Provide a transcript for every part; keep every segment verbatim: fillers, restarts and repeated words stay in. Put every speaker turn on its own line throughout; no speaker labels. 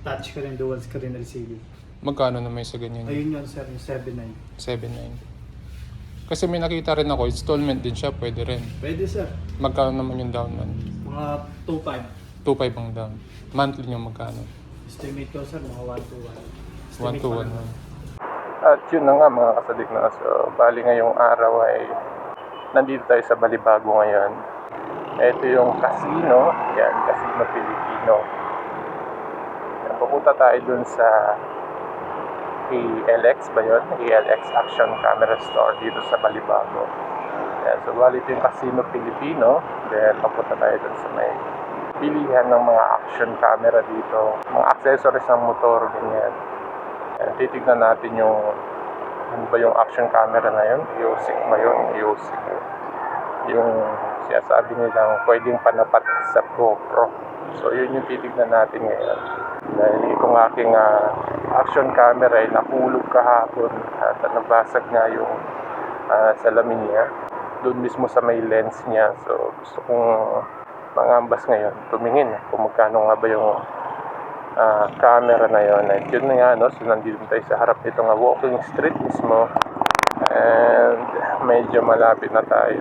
touch ka rin, dual screen L C D.
Magkano na may sa ganyan?
Ayun yun sir, yung seven nine.
seven nine. Kasi may nakita rin ako, installment din siya, pwede rin.
Pwede sir.
Magkano naman yung down man?
Mga two five.
two five ang down. Monthly yung magkano?
Estimate ko sir, mga one to one.
one to one. At yun na nga mga kasadik na. So, bali ngayong araw ay nandito tayo sa Balibago ngayon. Ito yung casino. Yan, Casino Filipino. Yan, pupunta tayo dun sa A L X ba yun? A L X Action Camera Store dito sa Balibago. Yan, so bali ito yung Casino Filipino. Then papunta tayo dun sa may bilihan ng mga action camera dito. Mga accessories ng motor, ganyan. Yan, titignan natin yung ano ba yung action camera na yun? U S I C ba yun? U S I C. Yung sinasabi nilang pwedeng panapat sa GoPro. So yun yung titignan natin ngayon. Dahil itong aking uh, action camera ay nahulog kahapon at nabasag nga yung uh, salamin niya. Doon mismo sa may lens niya. So gusto kong mangambas ngayon, tumingin kung magkano nga ba yung uh, camera na yun. At yun na nga, no? So nandito tayo sa harap nito nga walking street mismo. And medyo malapit na tayo.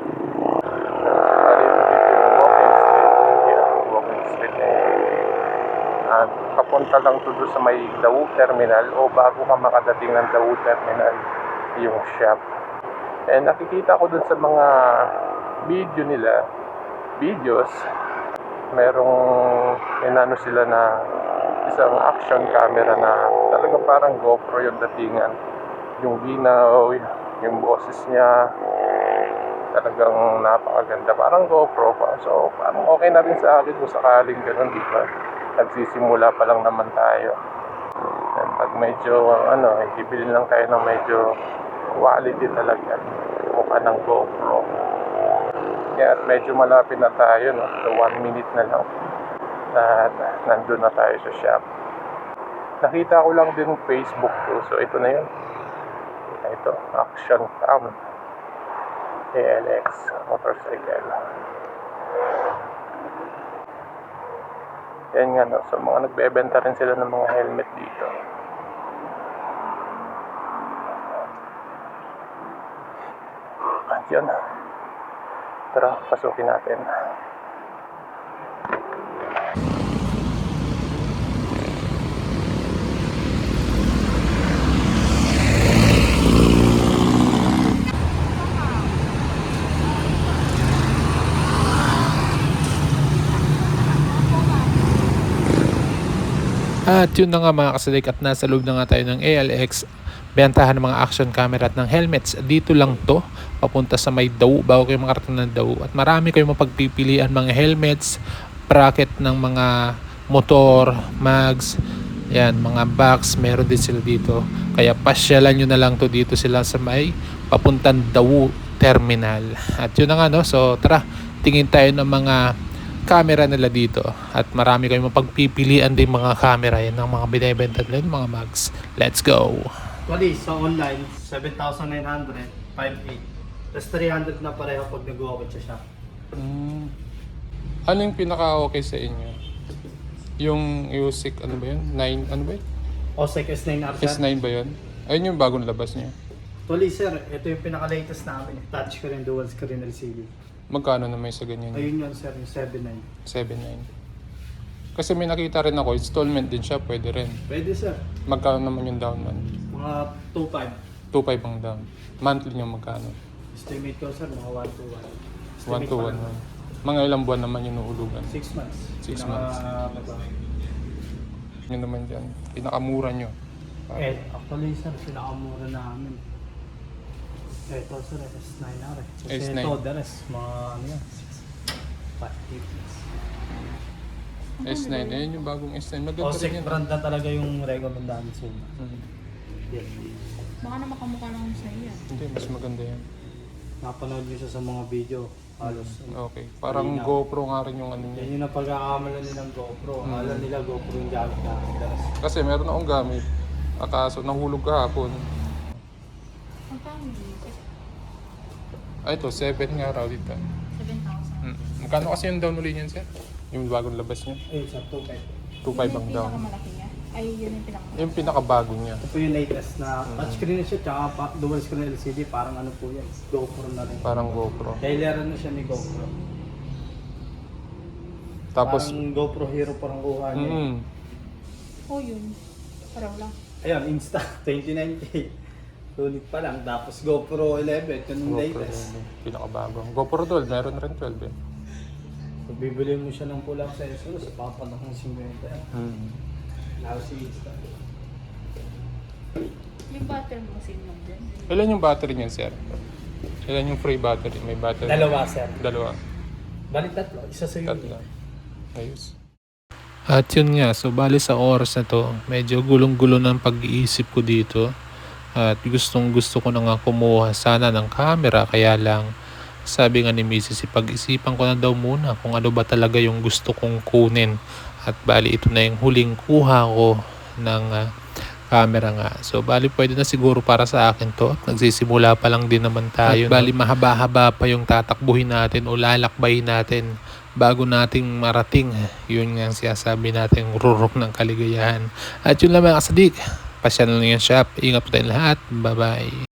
At papunta lang to doon sa may Dawu Terminal o bago ka makadating ng Dawu Terminal yung shop. And nakikita ko doon sa mga video nila, videos, merong inano sila na isang action camera na talaga parang GoPro yung datingan. Yung ginaw, yung boses niya, talagang napakaganda. Parang GoPro pa. So, parang okay na rin sa akin kung sakaling ganun, di ba? Nagsisimula pa lang naman tayo. And pag medyo, ano, ibili lang tayo ng medyo quality talaga. Mukha ng GoPro. Kaya at medyo malapit na tayo, no? So, one minute na lang. At nandun na tayo sa shop. Nakita ko lang din Facebook ko. So, ito na yun. Ito, Action Cam. A L X motorcycle. Yan nga, no? So, mga nagbebenta rin sila ng mga helmet dito. At yun. Tara, pasukin natin.
At yun na nga mga kasadik, at nasa loob na nga tayo ng A L X, bentahan ng mga action camera at ng helmets. Dito lang to, papunta sa may Dawu, bago kayo makarating ng Dawu. At marami kayong mapagpipilian, mga helmets, bracket ng mga motor, mags, yan, mga box, meron din sila dito. Kaya pasyalan nyo na lang to, dito sila sa may papuntang Dawu Terminal. At yun na nga, no? So tara, tingin tayo ng mga camera nila dito. At marami kayong mapagpipilian din mga camera yan ng mga binibenta nila, mga mags. Let's go!
Actually, sa online, seven thousand nine hundred, five eight. Tapos three hundred na pareho pag nag-walk sa shop.
Hmm. Ano yung pinaka-okay sa inyo? Yung U S I C, ano ba yun? nine, ano ba yun?
O S E C S nine R sir.
S nine ba yun? Ayun yung bagong labas niya.
Actually sir, ito yung pinaka-latest namin. Touch ka rin, dual screen L C D.
Magkano na may sa ganyan?
Ayun yun sir, yung seven nine.
seven nine. Kasi may nakita rin ako, installment din siya, pwede rin.
Pwede sir.
Magkano naman yung down man?
Mga two five.
two five ang down. Monthly yung magkano?
Estimate ko sir, mga one to one.
one to one. Mga ilang buwan naman yung nuhulugan?
six months.
Six
Pinaka-
months. Yun naman dyan. Pinakamura nyo.
Eh, actually sir, pinakamura namin. Ito sir, S nine R eh. Kasi
S nine.
ito, the rest, mga ano yan, five fifty.
S nine. Ayun yung bagong S nine. Maganda
O S E
rin
C
yan.
brand na talaga yung recommend namin sa inyo.
Hmm.
Yan.
Baka na makamukha lang sa iyo.
Hindi, mas maganda yan.
Napanood nyo siya sa mga video. Halos.
Okay. Parang
Malinaw.
GoPro nga rin yung ano
Yan
niya.
yung napagkakamala nilang GoPro. Akala nila GoPro yung gamit namin. The rest.
Kasi meron akong gamit. Akaso nahulog kahapon.
Ang family,
Ay, ito, seven nga raw dito.
seven thousand.
Hmm. Magkano kasi yung down uli niyan, sir? Yung bagong labas niya?
Eh, sa two five.
two five ang down.
Pinakamalaki niya. Ay, yun yung pinaka.
Yung pinakabago niya.
Ito po yung latest na touchscreen na siya, tsaka pa, dual screen L C D, parang ano po yan, GoPro na rin.
Parang GoPro.
Kaileran na siya ni GoPro.
Tapos,
Parang GoPro Hero parang kuha niya.
mm,
Oh, yun. Paraw lang.
Ayun, Insta, twenty-nine K. Sulit pa lang. Tapos GoPro eleven, ito yung
GoPro
latest.
yun, pinakabago. GoPro twelve, meron rin twelve eh.
Pag bibili mo siya ng pull-up sensor, sa papanak ng fifty.
Mm.
Lalo si Insta.
Yung battery mo same lang din.
Ilan yung battery niyan, sir? Ilan yung free battery? May battery?
Dalawa, sir.
Dalawa.
Balik tatlo, isa sa iyo.
Tatlo. Ayos. At yun nga, so bali sa oras na to, medyo gulong-gulo ng pag-iisip ko dito. At gustong gusto ko na nga kumuha sana ng camera, kaya lang sabi nga ni Missus pag-isipan ko na daw muna kung ano ba talaga yung gusto kong kunin. At bali ito na yung huling kuha ko ng uh, camera nga. So bali pwede na siguro para sa akin to. At nagsisimula pa lang din naman tayo. At bali no? Mahaba-haba pa yung tatakbuhin natin o lalakbayin natin bago nating marating. Yun nga ang sinasabi natin, rurok ng kaligayahan. At yun lang mga kasadik. Pasyan lang yung shop. Ingat po tayong lahat. Bye-bye.